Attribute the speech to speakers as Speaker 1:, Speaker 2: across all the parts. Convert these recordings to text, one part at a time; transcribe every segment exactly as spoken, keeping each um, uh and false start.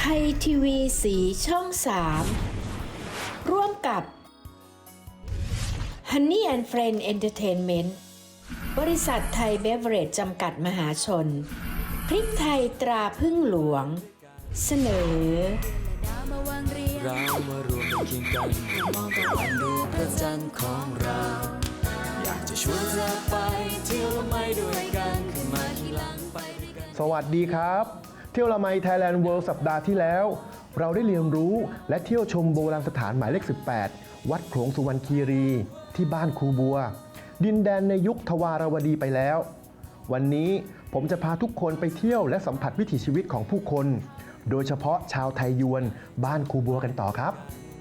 Speaker 1: ยทีวีสีช่องสามร่วมกับ Honey and Friend Entertainment บริษัทไทยเบเวอเรจจำกัดมหาชนพริกไทยตราพึ่งหลวงเสนอ
Speaker 2: เรามารวมกันเคียงกันมองตะวันดูพระจันทร์ของเราอยากจะชวนเธอไปเที่ยวละไมด้วยกันขึ้นมาที่หลังไปด้วยกัน
Speaker 3: สวัสดีครับเที่ยวละไมไทยแลนด์เวิลด์สัปดาห์ที่แล้วเราได้เรียนรู้และเที่ยวชมโบราณสถานหมายเลขสิบแปดวัดโขลงสุวรรณคีรีที่บ้านครูบัวดินแดนในยุคทวารวดีไปแล้ววันนี้ผมจะพาทุกคนไปเที่ยวและสัมผัสวิถีชีวิตของผู้คนโดยเฉพาะชาวไทยยวนบ้านครูบัวกันต่อครับ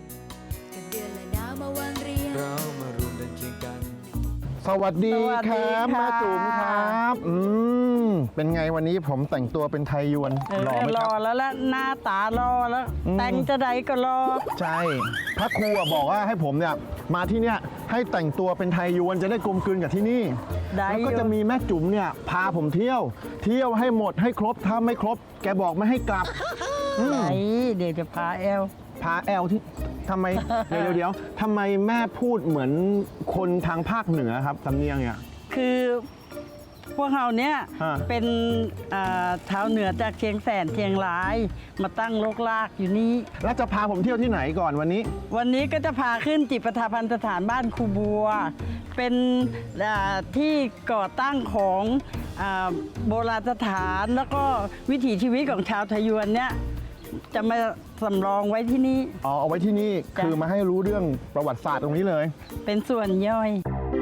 Speaker 2: เรามารวมกันเคียงกัน
Speaker 3: สวัสดีครับแม่จุ๋มครับอืมเป็นไงวันนี้ผมแต่งตัวเป็นไทยยวนหล่อไหมครับ
Speaker 4: รอแล้วละหน้าตารอแล้วแต่งจะใดก็รอ
Speaker 3: ใช่พระครูบอกว่าให้ผมเนี่ยมาที่เนี่ยให้แต่งตัวเป็นไทยยวนจะได้กลมกลืนกับที่นี่แล้วก็จะมีแม่จุ๋มเนี่ยพาผมเที่ยวเที่ยวให้หมดให้ครบถ้าไม่ครบแกบอกไม่ให้กลับ
Speaker 4: ไหนเดี๋ยวจะพาแอล
Speaker 3: พาแอลที่ทำไมเดี๋ยวเดี๋ยวทำไมแม่พูดเหมือนคนทางภาคเหนือครับสำเนียงเนี่ย
Speaker 4: คือพวกเราเนี่ยเป็นชาวเหนือจากเชียงแสนเชียงรายมาตั้งโลกลากอยู่นี้
Speaker 3: แล้วจะพาผมเที่ยวที่ไหนก่อนวันนี้
Speaker 4: วันนี้ก็จะพาขึ้นจิตประทาพันสถานบ้านครูบัวเป็นที่ก่อตั้งของโบราณสถานแล้วก็วิถีชีวิตของชาวไทยยวนเนี่ยจะมาสำรองไว้ที่นี่
Speaker 3: อ๋อเอาไว้ที่นี่คือมาให้รู้เรื่องประวัติศาสตร์ตรงนี้เลย
Speaker 4: เป็นส่วนย่อย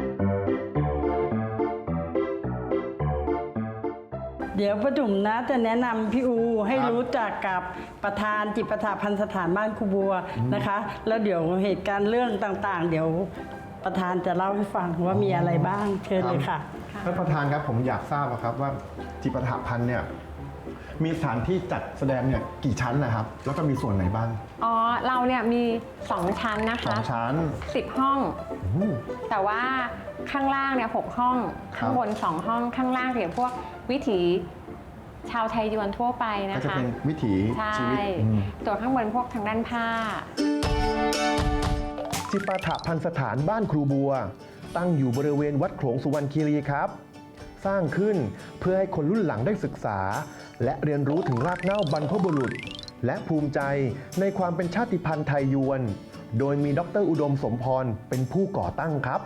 Speaker 4: เดี๋ยวป้าจุ๋มนะจะแนะนำพี่อูให้รู้จักกับประธานจิตประทาพันสถานบ้านครูบัวนะคะแล้วเดี๋ยวเหตุการณ์เรื่องต่างๆเดี๋ยวประธานจะเล่าให้ฟังว่ามีอะไรบ้างเชิญเลยค่ะ
Speaker 3: ท่านประธานครับผมอยากทราบครับว่าจิตประทาพันเนี่ยมีสถานที่จัดแสดงเนี่ยกี่ชั้นนะครับแล้วก็มีส่วนไหนบ้าง
Speaker 5: อ๋อเราเนี่ยมีสองชั้นนะคะ
Speaker 3: สองชั้น
Speaker 5: สิบห้องแต่ว่าข้างล่างเนี่ยหกห้องข้างบนสองห้องข้างล่างเนี่ยพวกวิถีชาวไทยยวนทั่วไปนะคะ
Speaker 3: ก็จะเป็นวิถีชีวิต
Speaker 5: ตัวข้างบนพวกทางด้านผ้า
Speaker 3: จิปาถะพันสถานบ้านครูบัวตั้งอยู่บริเวณวัดโขลงสุวรรณคีรีครับสร้างขึ้นเพื่อให้คนรุ่นหลังได้ศึกษาและเรียนรู้ถึงรากเหง้าบรรพบุรุษและภูมิใจในความเป็นชาติพันธุ์ไทยยวนโดยมีดร.อุดมสมพรเป็นผู้ก่อตั้งครับ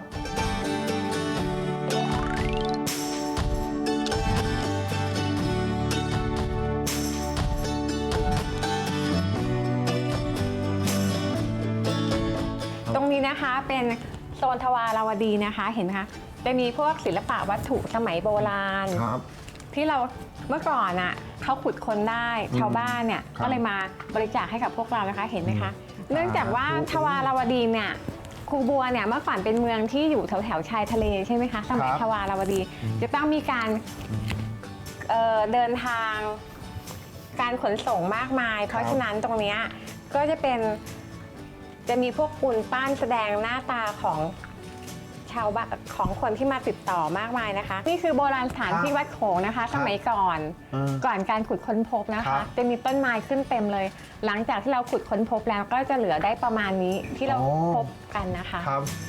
Speaker 5: ตรงนี้นะคะเป็นโซนทวารวดีนะคะเห็นไหมคะจะมีพวกศิลปะวัตถุสมัยโบราณที่เราเมื่อก่อนอ่ะเขาขุดค้นได้ชาวบ้านเนี่ยก็เลยมาบริจาคให้กับพวกเรานะคะเห็นไหมคะเนื่องจากว่าทวารวดีเนี่ยครูบัวเนี่ยเมื่อก่อนเป็นเมืองที่อยู่แถวแถวชายทะเลใช่ไหมคะสมัยทวารวดีจะต้องมีการ เอ่อ เดินทางการขนส่งมากมายเพราะฉะนั้นตรงนี้ก็จะเป็นจะมีพวกปูนปั้นแสดงหน้าตาของชาวบ้านของคนที่มาติดต่อมากมายนะคะนี่คือโบราณสถานที่วัดโขงนะคะสมัยก่อนก่อนการขุดค้นพบนะคะจะมีต้นไม้ขึ้นเต็มเลยหลังจากที่เราขุดค้นพบแล้วก็จะเหลือได้ประมาณนี้ที่เราพบกันนะคะ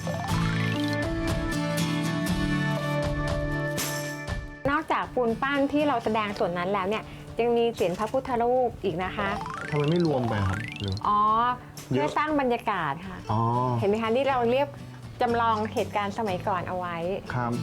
Speaker 5: นอกจากปูนปั้นที่เราแสดงส่วนนั้นแล้วเนี่ยยังมีเศียรพระพุทธรูปอีกนะคะ
Speaker 3: ทำไมไม่รวมไปครับ
Speaker 5: อ๋อเพื่อสร้างบรรยากาศค่ะเห็นไหมคะที่เราเรียกจำลองเหตุการณ์สมัยก่อนเอาไว้
Speaker 3: ครับ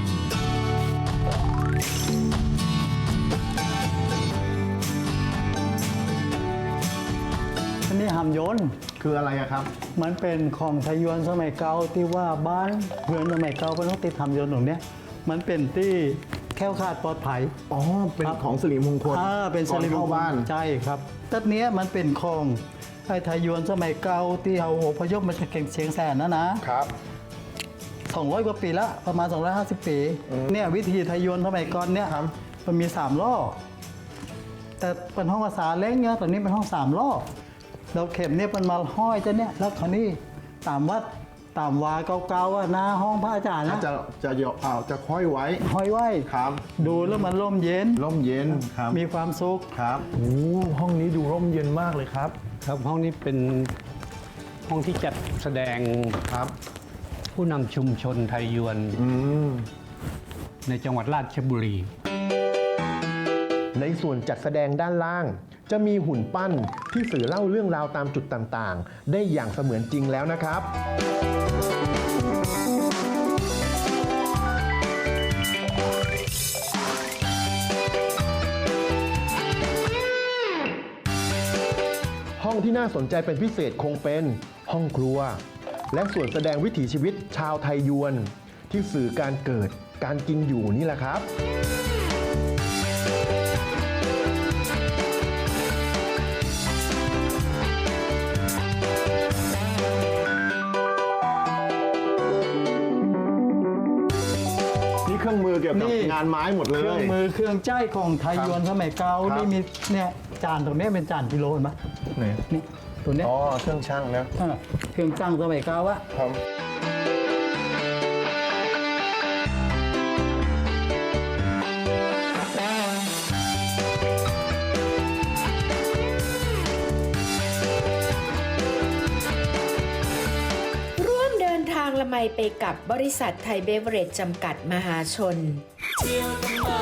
Speaker 6: อันนี้หามยนต์
Speaker 3: คืออะไรครับ
Speaker 6: มันเป็นของไทยยวนสมัยเก่าที่ว่าบ้านเพื่อนสมัยเก่าเป็นต้องติดหามยนต์ตรงนี้มันเป็นที่แค่ขาดปลอดภัย
Speaker 3: อ๋อเป็นของสิริมงคล
Speaker 6: อ่าเป็นสิริมงคลใช่ครับตัดเนี้ยมันเป็นของไทยยวนสมัยเก่าที่เอาอพยพมาจากเชียงแสนนะนะครับสองร้อยกว่าปีละประมาณสองร้อยห้าสิบปีเนี่ยวิธีไทยยวนสมัยก่อนเนี่ยมันมีสามล้อแต่เป็นห้องภาษาเล้งเนี่ยตอนนี้เป็นห้องสามล้อเราเข็มเนี่ยมันมาห้อยจะเนี่ยแล้วคราวนี้ตามวัดตามวาเก่าๆอะหน้าห้องพระอาจารย์นะ
Speaker 3: จะจะเดี๋ยวเอาจะค่อยไว้
Speaker 6: ห้อยไว้
Speaker 3: ครับ
Speaker 6: ดูแล้วมันร่มเย็น
Speaker 3: ร่มเย็นครับ
Speaker 6: มีความสุข
Speaker 3: ครับโอ้ห้องนี้ดูร่มเย็นมากเลยครับ
Speaker 7: ครับห้องนี้เป็นห้องที่จัดแสดง
Speaker 3: ครับ
Speaker 7: ผู้นำชุมชนไทยยวน
Speaker 3: อืม
Speaker 7: ในจังหวัดราชบุรี
Speaker 3: ในส่วนจัดแสดงด้านล่าง จะมีหุ่นปั้นที่สื่อเล่าเรื่องราวตามจุดต่างๆ ได้อย่างเสมือนจริงแล้วนะครับ ห้องที่น่าสนใจเป็นพิเศษคงเป็นห้องครัว และส่วนแสดงวิถีชีวิตชาวไทยยวน ที่สื่อการเกิดการกินอยู่นี่แหละครับ นี่เครื่องมือเกี่ยวกับ
Speaker 6: นี่
Speaker 3: งานไม้หมดเล
Speaker 6: เครื่อง
Speaker 3: ย
Speaker 6: มือเครื่องใจของไทยยวนสมัยเก่า
Speaker 3: ครับ
Speaker 6: นี่มีเนี่ยจานตรงนี้เป็นจานกิโลเห็นไหม
Speaker 3: ไหน
Speaker 6: นี่ตัวเนี้ย
Speaker 3: อ๋อ เครื่องช่างนะ
Speaker 6: เออเครื่องจังสมัยเก่าอะ
Speaker 3: ครับ
Speaker 1: ร่วมเดินทางละไมไปกับบริษัทไทยเบเวอเรจจำกัดมหาชน
Speaker 2: เที่ยวกันมา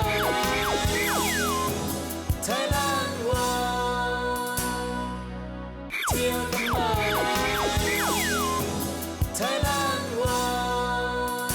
Speaker 2: Thailand World เที่ยวกันมา Thailand World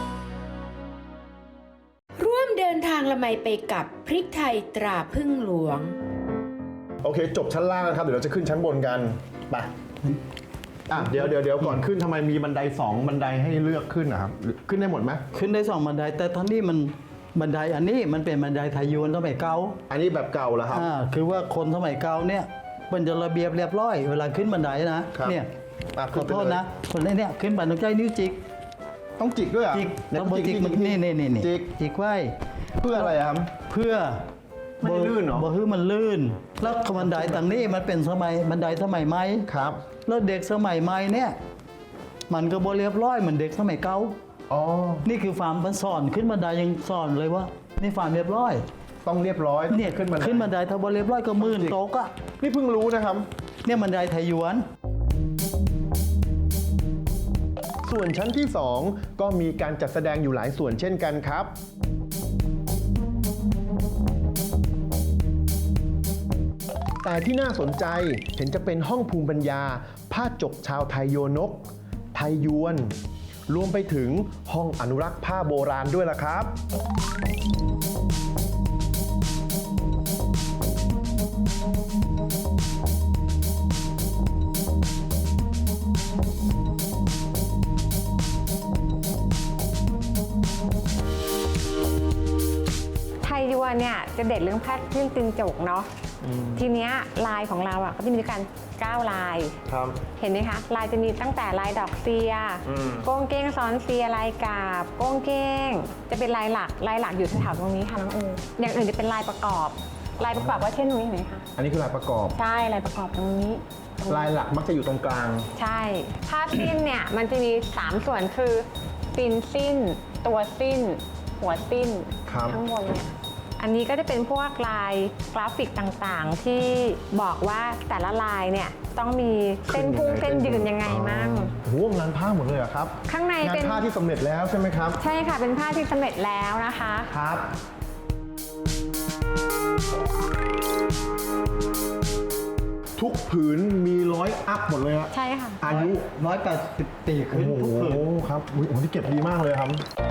Speaker 1: ร่วมเดินทางละไมไปกับพริกไทยตราพึ่งหลวง
Speaker 3: โอเค จบชั้นล่างแล้วครับ เดี๋ยวเราจะขึ้นชั้นบนกัน ไป อ่ะ เดี๋ยวเดี๋ยวเดี๋ยวก่อนขึ้นทำไมมีบันไดสองบันไดให้เลือกขึ้นนะครับ ขึ้นได้หมดไหม
Speaker 6: ขึ้นได้สองบันไดแต่ท่านนี้มันบันไดอันนี้มันเป็นบันไดไทยยวนสมัยเก่า
Speaker 3: อันนี้แบบเก่าแล้วครับ
Speaker 6: อ่าคือว่าคนสมัยเก่าเนี่ยมันจะระเบียบเรียบร้อยเวลาขึ้นบันไดนะครับ เนี่ย
Speaker 3: อ่ะ
Speaker 6: ข
Speaker 3: ขึ้
Speaker 6: อน
Speaker 3: ไป
Speaker 6: โทษ
Speaker 3: เลย
Speaker 6: นะคนนี้เนี่ยขึ้นบันไดนิ้วจิก
Speaker 3: ต้องจิกด้วยเหรอ่ะ
Speaker 6: จิกต้องจิกมันนี่นี่นี่นี่
Speaker 3: จิก
Speaker 6: จิกไว้
Speaker 3: เพื่ออะไรอะครับ
Speaker 6: เพื่อ
Speaker 3: ไม่ให้ลื่นเหรอ
Speaker 6: บ่ให้มันลื่น แล้วบันไดต่างนี้มันเป็นสมัยบันไดสมัยใหม่
Speaker 3: ครับ
Speaker 6: แล้วเด็กสมัยใหม่เนี่ยมันก็บ่เรียบร้อยเหมือนเด็กสมัยเก่า
Speaker 3: อ๋อ
Speaker 6: นี่คือฟาร์มมันสอนขึ้นบันไดยังสอนเลยว่านี่ฟาร์มเรียบร้อย
Speaker 3: ต้องเรียบร้อยต้อง
Speaker 6: เนี่ย
Speaker 3: ขึ้นบันได
Speaker 6: ขึ้นบันไดถ้าบ่เรียบร้อยก็มื่นตกอะ
Speaker 3: นี่เพิ่งรู้นะครับ
Speaker 6: เนี่ยบันไดไทยยวน
Speaker 3: ส่วนชั้นที่สองก็มีการจัดแสดงอยู่หลายส่วนเช่นกันครับ แต่ที่น่าสนใจเห็นจะเป็นห้องภูมิปัญญา ผ้าจกชาวไทยโยนก ไทยยวน รวมไปถึงห้องอนุรักษ์ผ้าโบราณด้วยล่ะครับ
Speaker 5: ไทยยวนเนี่ยจะเด็ดเรื่องผ้าเครื่องตึงจกเนาะทีเนี้ยลายของเราอ่ะก็จะมีด้วยกันเก้าลาย
Speaker 3: ครับ
Speaker 5: เห็นไหมคะลายจะมีตั้งแต่ลายดอกเซีย
Speaker 3: อืม
Speaker 5: โก้งเก้งซ้อนเซียลายกาบโก้งเก้ง จะเป็นลายหลักลายหลักอยู่แถวๆตรงนี้ค่ะน้องอูอย่างอื่นจะเป็นลายประกอบ ลายประกอบก็เช่นตรงนี้เห็นไหมคะ
Speaker 3: อันนี้คือลายประกอบ
Speaker 5: ใช่ลายประกอบตรงนี้
Speaker 3: ลายหลักมักจะอยู่ตรงกลาง
Speaker 5: ใช่ผ้าสิ้นเนี่ยมันจะมีสามส่วนคือตีนสิ้น ตัวสิ้น หัวสิ้น
Speaker 3: ครับ
Speaker 5: ข้างบนเนี่ยอันนี้ก็จะเป็นพวกลายกราฟิกต่างๆ ที่บอกว่าแต่ละลายเนี่ยต้องมีเส้นพุ่งเส้นยืนยังไงมั่ง
Speaker 3: โอ้โหงานผ้าหมดเลยเหรอครับ
Speaker 5: ข้างใน
Speaker 3: งาน
Speaker 5: เป็น
Speaker 3: ผ้าที่สำเร็จแล้วใช่ไหมครับ
Speaker 5: ใช่ค่ะเป็นผ้าที่สำเร็จแล้วนะคะ
Speaker 3: ครับ ทุกผืนมีร้อยอัพหมดเลยอะ
Speaker 5: ใช่ค่ะ
Speaker 3: อายุ
Speaker 6: ร้อยแปดสิบปีขึ้น
Speaker 3: โอ้โห
Speaker 6: ทุกคืน
Speaker 3: ครับอุ๊ยโอ้โหที่เก็บดีมากเลยครับ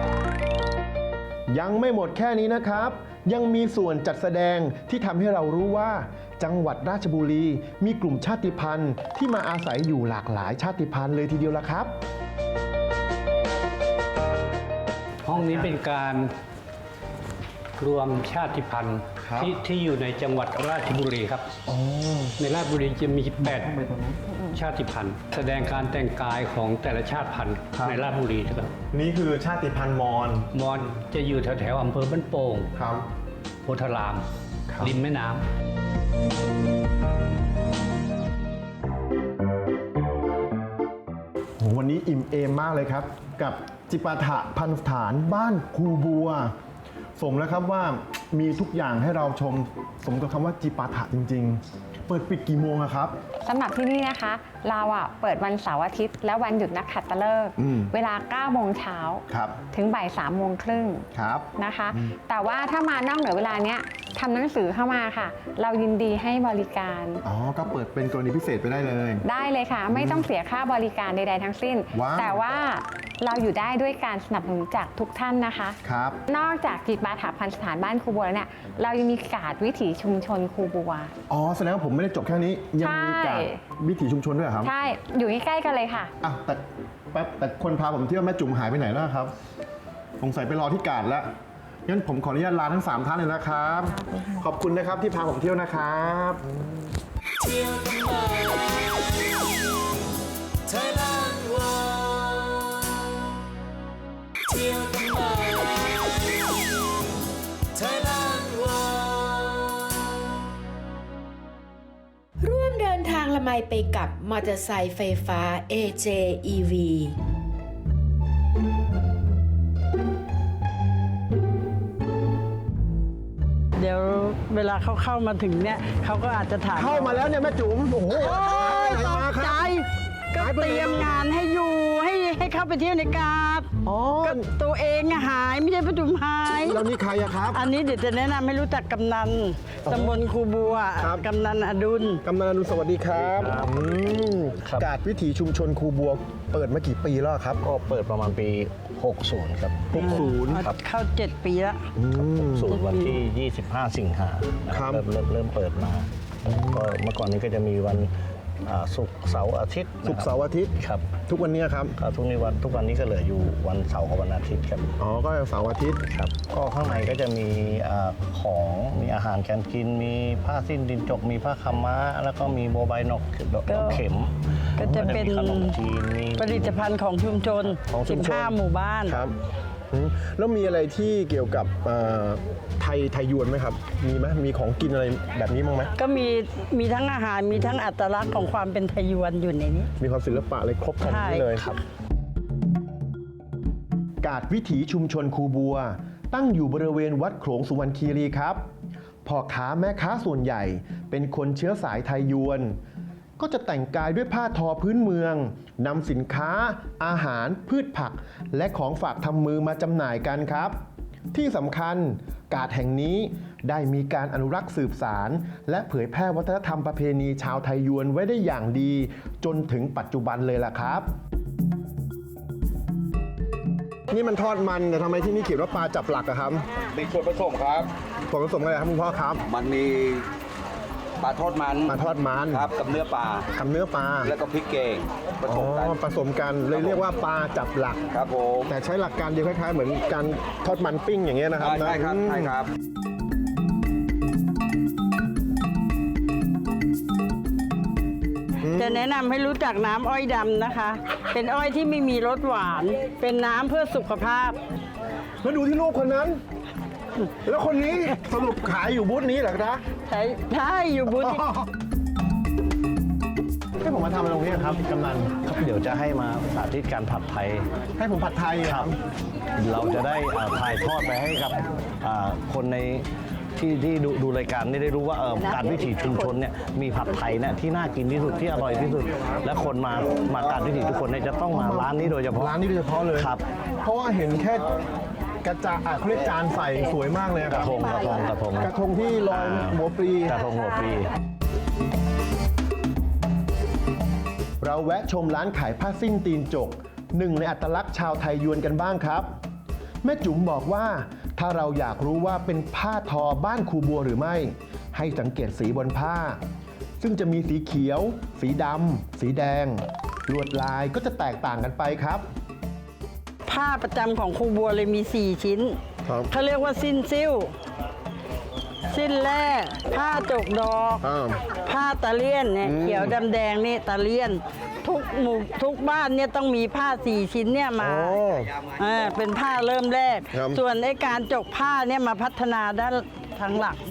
Speaker 3: ยังไม่หมดแค่นี้นะครับ ยังมีส่วนจัดแสดงที่ทำให้เรารู้ว่า จังหวัดราชบุรีมีกลุ่มชาติพันธุ์ที่มาอาศัยอยู่หลากหลายชาติพันธุ์เลยทีเดียวละครับ
Speaker 7: ห้องนี้เป็นการรวมชาติพันธุ์
Speaker 3: ครับ
Speaker 7: ที่ที่อยู่ในจังหวัดราชบุรีครับในราชบุรีจะมีแปดชาติพันธุ์ แสดงการแต่งกายของแต่ละชาติพันธุ์ในราชบุรีครับ
Speaker 3: นี่คือชาติพันธุ์มอญ
Speaker 7: มอญจะอยู่แถวแถวๆอำเภอบ้านโป่ง
Speaker 3: ครับ
Speaker 7: โพธาราม
Speaker 3: ครับ
Speaker 7: ริมแม่น้ำ
Speaker 3: โหวันนี้อิ่มอิ่มเอมมากเลยครับ กับจิปาถะพันสถานบ้านครูบัว สมแล้วครับว่ามีทุกอย่างให้เราชมสมกับคำว่าจิปาถะจริงๆ เปิดปิดกี่โมงอะครับ
Speaker 5: สำหรับที่นี่นะคะ เราอ่ะเปิดวันเสาร์อาทิตย์และวันหยุดนักขัตฤกษ์
Speaker 3: อืม
Speaker 5: เวลาเก้าโมงเช้า
Speaker 3: ครับ
Speaker 5: ถึงบ่ายสามโมงครึ่ง
Speaker 3: ครับ
Speaker 5: นะคะ แต่ว่าถ้ามานอกเหนือเวลาเนี้ยทำหนังสือเข้ามาค่ะ เรายินดีให้บริการ
Speaker 3: อ๋อ ก็เปิดเป็นกรณีพิเศษไปได้เลย
Speaker 5: ได้เลยค่ะ ไม่ต้องเสียค่าบริการใดๆทั้งสิ้น
Speaker 3: ว้าว
Speaker 5: แต่ว่าเราอยู่ได้ด้วยการสนับสนุนจากทุกท่านนะคะ
Speaker 3: ครับ
Speaker 5: นอกจากจิตบาถาพันสถานบ้านครูบัวแล้วเนี่ยเรายังมีการ์ดวิถีชุมชนครูบัว
Speaker 3: อ๋อ แสดงว่าผมไม่ได้จบแค่นี้ ยังมีการ
Speaker 5: ใช่
Speaker 3: วิถีชุมชนด้วยเหรอครับ
Speaker 5: ใช่ อยู่ใกล้ๆกันเลยค่ะ
Speaker 3: อ่ะแต่แป๊บแต่คนพาผมเที่ยวแม่จุ๋มหายไปไหนแล้วครับ สงสัยไปรอที่กาดแล้ว งั้นผมขออนุญาตลาทั้งสามท่านเลยนะครับ ขอบคุณนะครับที่พาผมเที่ยวนะครับ
Speaker 2: เที่ยวกันมาไทยแลนด์วอลเที่ยวกันมาไทยแลนด์วอล
Speaker 1: ร่วมเดินทางละไมไปกับมอเตอร์ไซค์ไฟฟ้า เอ เจ อี วี
Speaker 4: เดี๋ยวเวลาเขาเข้ามาถึงเนี่ยเขาก็อาจจะถาม
Speaker 3: เข้ามาแล้วเนี่ยแม่จุ๋ม โอ้โห
Speaker 4: โอ้ย
Speaker 3: ไหน
Speaker 4: ต
Speaker 3: มาก ค
Speaker 4: ใจ
Speaker 3: รับ
Speaker 4: ก็เตรียมงานให้อยู่ให้ให้เข้าไปเที่ยวในกาด
Speaker 3: อ๋อ
Speaker 4: ก็ตัวเองอะหายไม่ใช่ประจุมหาย
Speaker 3: แล้วนี่ใครอะครับ
Speaker 4: อันนี้เดี๋ยวจะแนะนำให้รู้จักกำนันตำบลครูบัว
Speaker 3: ครับ
Speaker 4: กำนันอดุล
Speaker 3: กำนันอนุสวัสดีครับอืมกาดวิถีชุมชนครูบัว เปิดมากี่ปีแล้วครับ
Speaker 8: ก็เปิดประมาณปี หกสิบ ครับ
Speaker 3: หกสิบ
Speaker 4: เข้าเข้าเจ็ดปีแล้ว
Speaker 8: ศูนย์วันที่ ยี่สิบห้า สิงหานะ
Speaker 3: ค
Speaker 8: ค
Speaker 3: รั
Speaker 8: รับ บเริ่มเริ่มเริ่มเปิดมา ก็เมื่อก่อนนี้ก็จะมีวันอ่าศุกร์เสาร์อาทิตย์นะครับ
Speaker 3: ศุกร์เสาร์อาทิตย์
Speaker 8: ครับ
Speaker 3: ทุกวันนี้ครับ
Speaker 8: ก็ทุกนี้วันทุกวันนี้ก็เหลืออยู่วันเสาร์กับวันอาทิตย์ครับ
Speaker 3: อ๋อ ก็เสาร์อาทิตย์
Speaker 8: ครับ ก็ข้างในก็จะมีอาของมีอาหารการกิน มีผ้าสิ้นดินจก มีผ้าขาวม้า แล้วก็มีโมบายนกดอก
Speaker 4: ก็
Speaker 8: ดอกเข็ม
Speaker 4: ก็จะเป็น
Speaker 8: มีขนมจีนมี
Speaker 4: ผลิตภัณฑ์ของชุมชน
Speaker 3: ของชุมชน
Speaker 4: สิบห้าหมู่บ้าน
Speaker 3: ครับอืมแล้วมีอะไรที่เกี่ยวกับเอ่อไทยไทยยวนไหมครับ มีไหมมีของกินอะไรแบบนี้บ้างไหม
Speaker 4: ก็มีมีทั้งอาหารมีทั้งอัตลักษณ์ของความเป็นไทยยวนอยู่ในนี้
Speaker 3: มีความศิลปะอะไรครบครัน
Speaker 4: ใช่
Speaker 3: นี้เลย
Speaker 8: ครับ
Speaker 3: กาดวิถีชุมชนครูบัว ตั้งอยู่บริเวณวัดโขลงสุวรรณคีรีครับพ่อค้าแม่ค้าส่วนใหญ่ เป็นคนเชื้อสายไทยยวน ก็จะแต่งกายด้วยผ้าทอพื้นเมืองนำสินค้า อาหาร พืชผัก และของฝากทำมือมาจำหน่ายกันครับ ที่สำคัญกาดแห่งนี้ได้มีการอนุรักษ์สืบสาร และเผยแพร่วัฒนธรรมประเพณีชาวไทยยวนไว้ได้อย่างดี จนถึงปัจจุบันเลยล่ะครับ นี่มันทอดมันแต่ทำไมที่นี่เขียนว่าปลาจับหลักอะครับ
Speaker 9: มีส่วนผสมครับ
Speaker 3: ส่วนผสมอะไรครับคุณพ่อครับ
Speaker 9: มันมีปลาทอดมัน
Speaker 3: ปลาทอดมัน
Speaker 9: ครับกับเนื้อปลา
Speaker 3: กับเนื้อปลา
Speaker 9: แล้วก็พริกแกงผ
Speaker 3: อ๋
Speaker 9: สมกัน
Speaker 3: อผสมกันเลยเรียกว่าปลาจับหลัก
Speaker 9: ครับผม
Speaker 3: แต่ใช้หลักการเดียวคล้ายๆเหมือนการทอดมันปิ้งอย่างเงี้ยนะครับ
Speaker 9: ใช่ครับ
Speaker 3: อืม
Speaker 9: ใช่ครับ
Speaker 4: จะแนะนำให้รู้จักน้ำอ้อยดำนะคะ เป็นอ้อยที่ไม่มีรสหวาน เป็นน้ำเพื่อสุขภาพ
Speaker 3: แล้วดูที่ลูกคนนั้น แล้วคนนี้สรุปขายอยู่บูธนี้เหรอนะ
Speaker 4: ใช่ใช่อยู่บูธที่
Speaker 3: ให้ผมมาทำอะไรตรงนี้ครับกำนัน
Speaker 8: ครับเดี๋ยวจะให้มาสาธิตการผัดไทย
Speaker 3: ให้ผมผัดไทยเหอ
Speaker 8: ครับ เราจะได้อ่าถ่ายทอดไปให้กับอ่าคนในที่ที่ดูดูรายการนี่ได้รู้ว่าเอ่อการวิถีชุมชนเนี่ยมีผัดไทยเนี่ยที่น่ากินที่สุดที่อร่อยที่สุด และคนมามาการวิถีทุกคนเนี่ยจะต้องมาร้านนี้โดยเฉพาะ
Speaker 3: ร้านนี้โดยเฉพาะเลย
Speaker 8: ครับ
Speaker 3: เพราะว่าเห็นแค่กระจาอ่ะเขาเรียกจานใส่สวยมากเลยค
Speaker 8: ก
Speaker 3: รั
Speaker 8: ระ
Speaker 3: บ
Speaker 8: ทงกระทงกระทง
Speaker 3: กระทงที่ลอยหัวปลี
Speaker 8: กระทงหัวปลี
Speaker 3: เราแวะชมร้านขายผ้าสิ้นตีนจก หนึ่งในอัตลักษณ์ชาวไทยยวนกันบ้างครับ แม่จุ๋มบอกว่าถ้าเราอยากรู้ว่าเป็นผ้าทอบ้านครูบัวหรือไม่ ให้สังเกตสีบนผ้า ซึ่งจะมีสีเขียว สีดำสีแดง ลวดลายก็จะแตกต่างกันไปครับ
Speaker 4: ผ้าประจำของครูบัวเลยมี สี่ ชิ้น
Speaker 3: ครับ
Speaker 4: เขาเรียกว่าสิ้นซิ่ว สิ้นแร่ผ้าจกดอก
Speaker 3: อ่า
Speaker 4: ผ้าตะเลียนเนี่ย
Speaker 3: อืม
Speaker 4: เขียวดำแดงนี่ตะเลียน ทุกหมู่ทุกบ้านเนี่ยต้องมีผ้าสี่ชิ้นเนี่ยมา
Speaker 3: โอ้
Speaker 4: อ่าเป็นผ้าเริ่มแรก
Speaker 3: ครับ
Speaker 4: ส่วนไอ้การจกผ้าเนี่ยมาพัฒนาด้านทางหลัก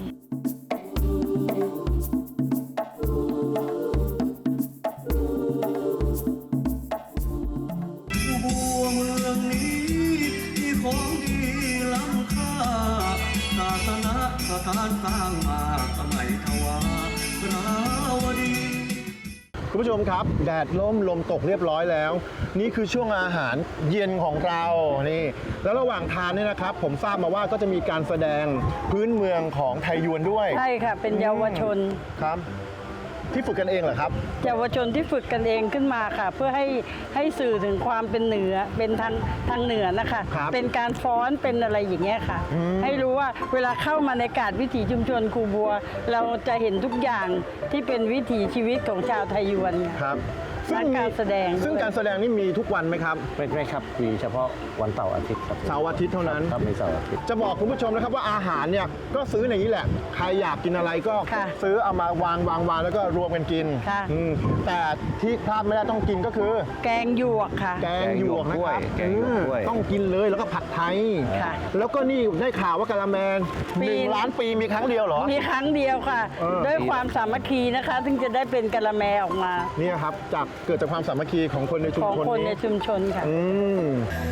Speaker 1: ม
Speaker 2: านสร้างมาสมัยทวาราวดี
Speaker 3: คุณผู้ชมครับแดดล่มลมตกเรียบร้อยแล้ว นี่คือช่วงอาหารเย็นของเรานี่แล้วระหว่างทานเนี่ยนะครับ ผมทราบมาว่าก็จะมีการแสดงพื้นเมืองของไทยยวนด้วย
Speaker 4: ใช่ค่ะ เป็นเยาวชน
Speaker 3: ครับ ที่ฝึกกันเองเหรอครับ
Speaker 4: เยาวชนที่ฝึกกันเองขึ้นมาค่ะ เพื่อให้ให้สื่อถึงความเป็นเหนือเป็นทางทางเหนือนะคะ
Speaker 3: ครับ
Speaker 4: เป็นการฟ้อนเป็นอะไรอย่างเงี้ยค่ะ ให้รู้ว่าเวลาเข้ามาในกาดวิถีชุมชนครูบัว เราจะเห็นทุกอย่างที่เป็นวิถีชีวิตของชาวไทยยวนค่ะ
Speaker 3: ครับ
Speaker 4: และการแสดง
Speaker 3: ซึ่ง
Speaker 4: ด้วย
Speaker 3: การแสดงนี่มีทุกวันไหมครับ
Speaker 8: ไม่ไม่ครับมีเฉพาะวันเสาร์อาทิตย์ครับ
Speaker 3: เสาร์อาทิตย์เท่านั้น
Speaker 8: ครับมีเสาร์อาทิตย์
Speaker 3: จะบอกคุณผู้ชมนะครับว่าอาหารเนี่ยก็ซื้อในนี้แหละ ใครอยากกินอะไรก็
Speaker 4: ค่ะ
Speaker 3: ซื้อเอามาวางวางวางแล้วก็รวมกันกิน
Speaker 4: ค่ะ
Speaker 3: อืมแต่ที่พลาดไม่ได้ต้องกินก็คือ
Speaker 4: แกงหยวกค่ะ
Speaker 3: แกงหยวกนะครับ
Speaker 8: แกงหยวกกล้วย
Speaker 3: อืมต้องกินเลยแล้วก็ผัดไทย
Speaker 4: ค่ะ
Speaker 3: แล้วก็นี่ได้ข่าวว่ากะละแมน
Speaker 4: ปี
Speaker 3: หนึ่งล้านปีมีครั้งเดียวเหรอ
Speaker 4: มีครั้งเดียวค่ะ
Speaker 3: เออ
Speaker 4: ด้วยความสามัคคีนะคะถึงจะได้เป็นกะละแมออกมา
Speaker 3: เนี่ยครับจากเกิดจากความสามัคคีของคนในชุม
Speaker 4: ของ
Speaker 3: ชน
Speaker 4: คนใน
Speaker 3: นี้
Speaker 4: ชุมชนค่ะ
Speaker 3: อืม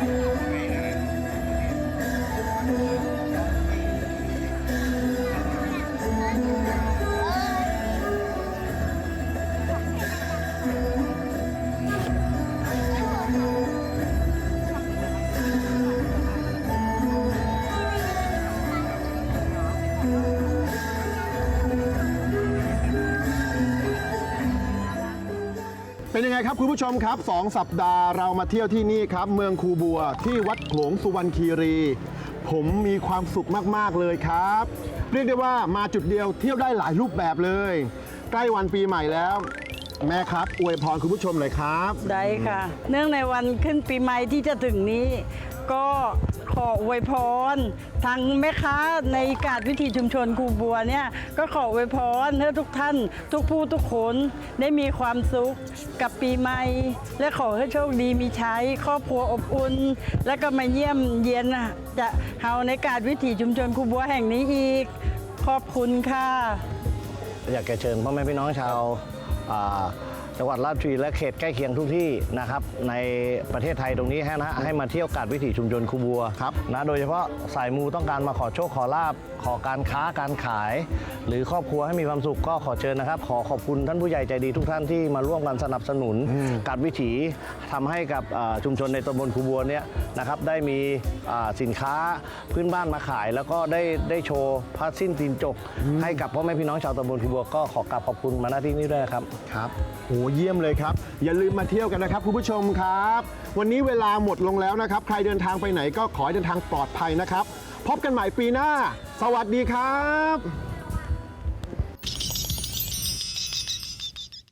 Speaker 3: เป็นยังไงครับคุณผู้ชมครับสองสัปดาห์เรามาเที่ยวที่นี่ครับ เมืองคูบัวที่วัดโขลงสุวรรณคีรี ผมมีความสุขมากๆเลยครับ เรียกได้ว่ามาจุดเดียวเที่ยวได้หลายรูปแบบเลย ใกล้วันปีใหม่แล้ว แม่ครับอวยพรคุณผู้ชมหน่อยครับ
Speaker 4: ได้ค่ะ เนื่องในวันขึ้นปีใหม่ที่จะถึงนี้ ก็ขออวยพรทางแม่ค้าในกาดวิถีชุมชนครูบัวเนี่ยก็ขออวยพรให้ทุกท่าน ทุกผู้ทุกคนได้มีความสุขกับปีใหม่ และขอให้โชคดีมีใช้ครอบครัวอบอุ่น และก็มาเยี่ยมเยียนจะเฮาในกาดวิถีชุมชนครูบัวแห่งนี้อีก ขอบคุณค่ะ
Speaker 8: อยากจะเชิญพ่อแม่พี่น้องชาวอ่าจังหวัดราชบุรีและเขตใกล้เคียงทุกที่นะครับในประเทศไทยตรงนี้ให้นะให้มาเที่ยวกาดวิถีชุมชนคูบัว
Speaker 3: ครับ
Speaker 8: นะโดยเฉพาะสายมูต้องการมาขอโชคขอลาบขอการค้าการขาย หรือครอบครัวให้มีความสุขก็ขอเชิญนะครับ ขอขอบคุณท่านผู้ใหญ่ใจดีทุกท่านที่มาร่วมกันสนับสนุนกาดวิถีทำให้กับอ่าชุมชนในตำบลคูบัวเนี่ยนะครับได้มีอ่าสินค้าพื้นบ้านมาขาย แล้วก็ได้ได้โชว์ผ้าสิ้นตีนจก ให้กับพ่อแม่พี่น้องชาวตำบลคูบัวก็ขอกราบขอบคุณมาณที่นี้ด้วยนะครับ
Speaker 3: ครับโหเยี่ยมเลยครับ อย่าลืมมาเที่ยวกันนะครับคุณผู้ชมครับ วันนี้เวลาหมดลงแล้วนะครับ ใครเดินทางไปไหนก็ขอให้เดินทางปลอดภัยนะครับ พบกันใหม่ปีหน้า สวัสดีครับ